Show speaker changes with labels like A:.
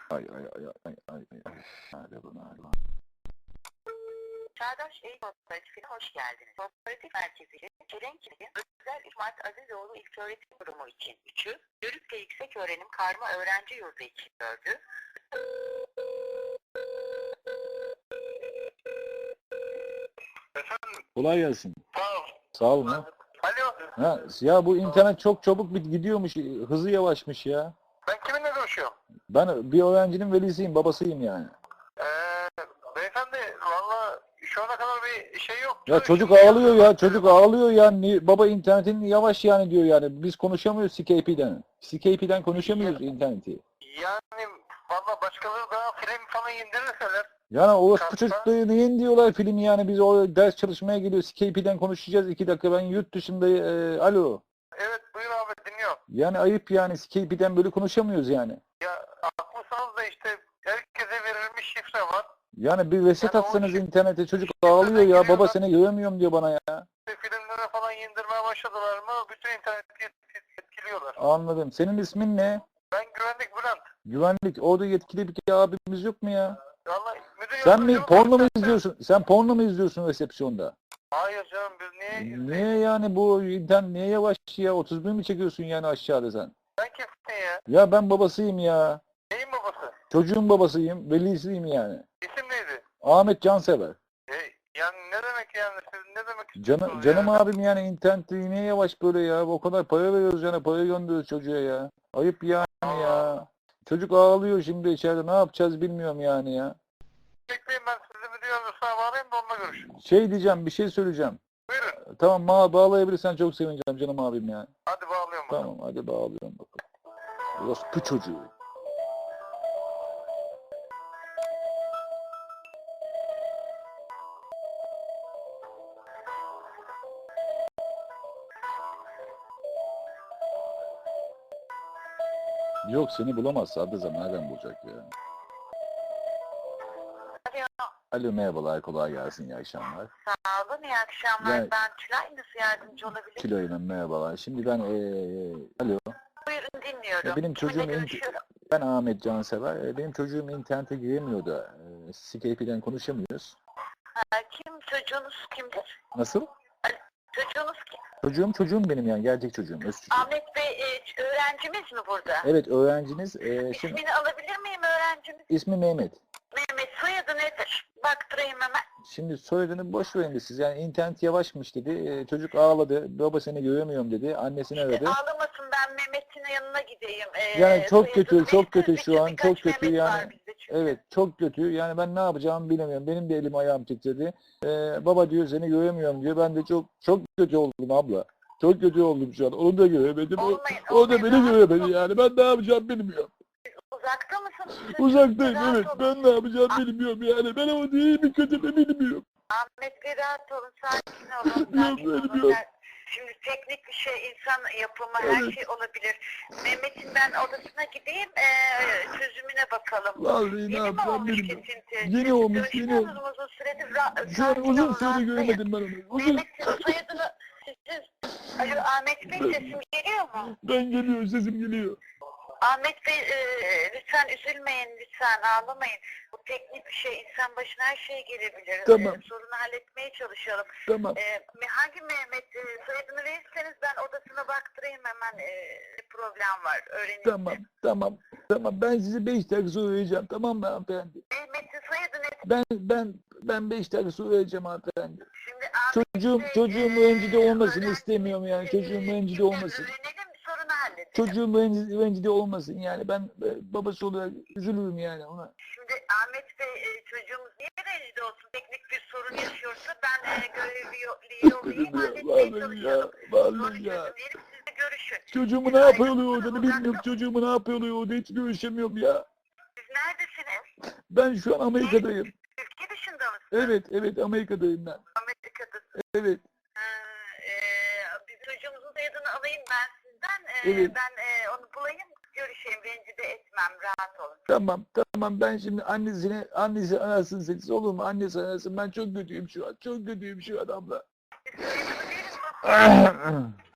A: Ay ay ay ay ay ay ay. Nerede bu nerede?
B: Çağdaş Eğitim Kooperatifine hoş geldiniz. Kooperatif merkezi Çelenkili Özel 3 Mart Azizoğlu İlköğretim Kurumu için 3'ü, Yörükle Yüksek Öğrenim Karma Öğrenci Yurdu için 4'ü,
C: Efendim?
A: Kolay gelsin.
C: Sağ ol.
A: Sağ olun ha.
C: Alo.
A: Ha, ya bu internet çok çabuk gidiyormuş, hızı yavaşmış ya.
C: Ben kiminle görüşüyorum?
A: Ben bir öğrencinin velisiyim, babasıyım yani.
C: Beyefendi valla şu ana kadar bir şey yok.
A: Ya çocuk ağlıyor ya, çocuk ağlıyor yani. Baba internetin yavaş yani diyor yani. Biz konuşamıyoruz Skype'den. Skype'den konuşamıyoruz interneti.
C: Yani valla başkaları daha film falan indirirseler.
A: Yani o çocukları neyin diyorlar film yani, biz o ders çalışmaya geliyor, Skype'den konuşacağız 2 dakika, ben yurt dışındayım, alo.
C: Evet buyur abi dinliyorum.
A: Yani ayıp yani, Skype'den böyle konuşamıyoruz yani.
C: Ya haklısınız da işte herkese verilmiş şifre var.
A: Yani bir reset
C: Yani o
A: atsanız
C: şifre-
A: internete, çocuk ağlıyor ya, baba seni göremiyorum diyor bana ya.
C: Filmlere falan indirmeye başladılar mı bütün interneti etkiliyorlar.
A: Anladım. Senin ismin ne?
C: Ben güvenlik Bülent.
A: Güvenlik. Orada yetkili bir abimiz yok mu ya?
C: Valla müdür
A: Sen mi
C: yardımcımız
A: porno mu
C: var.
A: izliyorsun? Sen porno mu izliyorsun resepsiyonda?
C: Hayır canım biz niye izleyelim?
A: Niye yani bu internet niye yavaş ya? 31 mi çekiyorsun yani aşağıda sen?
C: Ben kimsin ya?
A: Ya ben babasıyım ya.
C: Neyin babası?
A: Çocuğun babasıyım, velisiyim yani.
C: İsim neydi?
A: Ahmet Cansever.
C: Yani ne demek yani siz ne demek
A: Canım,
C: istiyorsunuz
A: canım
C: yani?
A: abim yani, internet niye yavaş böyle ya? O kadar para veriyoruz yani, para gönderiyoruz çocuğa ya. Ayıp yani ya. Çocuk ağlıyor şimdi içeride, ne yapacağız bilmiyorum yani ya.
C: Bekleyin ben sizi müdür yardımcısına bağlayayım da onunla görüşün.
A: Şey diyeceğim, bir şey söyleyeceğim.
C: Buyurun.
A: Tamam, bağlayabilirsen çok sevineceğim canım abim ya.
C: Hadi bağlıyorum bakalım.
A: Tamam hadi bağlıyorum bakalım. Orospu çocuğu. Yok, seni bulamaz Sadrazam, nereden bulacak ya?
B: Alo,
A: Alo merhabalar, kolay gelsin, iyi akşamlar.
B: sağ olun, iyi akşamlar.
A: Yani-
B: Ben Tülay, nasıl yardımcı olabilirim?
A: Tülay Hanım merhabalar. Şimdi ben alo.
B: Buyurun dinliyorum.
A: Ya benim
B: Kiminle
A: çocuğum
B: görüşüyorum?
A: ben Ahmet Cansever. Benim çocuğum internete giremiyor da Skype'den konuşamıyoruz.
B: Kim çocuğunuz kimdir?
A: Nasıl?
B: Çocuğunuz kim?
A: Çocuğum benim yani, gerçek çocuğum, öz çocuğum.
B: Ahmet Bey öğrencimiz mi burada?
A: Evet öğrenciniz. Şimdi
B: İsmini alabilir miyim öğrencimiz?
A: ismi Mehmet.
B: Mehmet, soyadı nedir? Baktırayım hemen.
A: Şimdi soyadını boş verin de siz, yani internet yavaşmış dedi. Çocuk ağladı. Baba seni göremiyorum dedi. Annesini aradı.
B: Ağlamasın, ben Mehmet'in yanına gideyim.
A: Yani çok
B: Soyadını
A: kötü, çok
B: verirseniz
A: kötü şu an,
B: birkaç
A: çok kötü
B: Mehmet var
A: yani.
B: bizde çünkü.
A: Evet, çok kötü. Yani ben ne yapacağımı bilemiyorum. Benim de elim ayağım titredi. Baba diyor seni göremiyorum diyor. Ben de çok kötü oldum abla. Çok kötü oldum şu an. Onu da göremedim. O da beni göremedi yani. Ben ne yapacağımı bilmiyorum.
B: Uzakta mısınız?
A: Uzaktayım,
B: Rahat
A: evet.
B: olun.
A: Ben ne yapacağımı bilmiyorum yani. Ben ama iyi mi kötü mü bilmiyorum.
B: Ahmet Bey rahat olun, sakin olun.
A: Bilmiyorum,
B: Sakin olun.
A: bilmiyorum.
B: Şimdi teknik bir şey, insan yapımı, her
A: Evet.
B: şey olabilir. Mehmet'in ben odasına gideyim, çözümüne bakalım.
A: Vallahi ne
B: Yeni mi
A: yapacağım
B: olmuş
A: bilmiyorum.
B: kesinti?
A: Yeni
B: Siz
A: olmuş,
B: görüşmüyorsunuz
A: yeni.
B: mu uzun süredir?
A: Şu an
B: Sakin
A: uzun
B: olun,
A: süre
B: rahatlayın.
A: göremedim ben onu.
B: Mehmet'in soyadını Alo Ahmet Bey, sesim geliyor mu?
A: Ben geliyor, sesim geliyor.
B: Ahmet Bey lütfen üzülmeyin, lütfen ağlamayın. Bu teknik bir şey, insan başına her şey gelebilir.
A: Tamam.
B: Sorunu halletmeye çalışalım.
A: Tamam.
B: Hangi Mehmet, soyadını verirseniz ben odasına baktırayım hemen, problem var, öğreneyim.
A: Tamam. Ben sizi 5 dakika sonra arayacağım. Tamam mı hanımefendi?
B: Mehmet'in soyadı ne?
A: Ben 5 dakika sonra arayacağım hanımefendi.
B: Şimdi Ahmet Bey,
A: Çocuğum rencide olmasın
B: öğrenci-
A: istemiyorum yani. Çocuğum rencide olmasın.
B: Öğrenelim, sorunu halledelim.
A: Çocuğum rencide olmasın yani. Ben babası olarak üzülürüm yani ona.
B: Şimdi Ahmet Bey, çocuğumuz niye rencide olsun? Teknik bir sorun yaşıyorsa ben görevli yollayayım, halletmeye çalışalım.
A: Vallahi ya.
B: Çözüm diyelim, siz de görüşün.
A: Çocuğumu ne yapıyorlar orada bilmiyorum. Çocuğumu ne yapıyorlar orada hiç görüşemiyorum ya.
B: Siz neredesiniz?
A: Ben şu an Amerika'dayım.
B: Ülke dışında mısınız?
A: Evet Amerika'dayım ben.
B: Amerika'dasınız.
A: Evet.
B: Bir çocuğumuzun soyadını alayım ben sizden.
A: Evet.
B: Ben onu bulayım, görüşeyim, rencide etmem, rahat olun.
A: Tamam ben şimdi annesi arasın sessiz olur mu? Annesi arasın, ben çok kötüyüm şu an. Çok kötüyüm şu an abla.
B: Siz soyadını verin bakayım.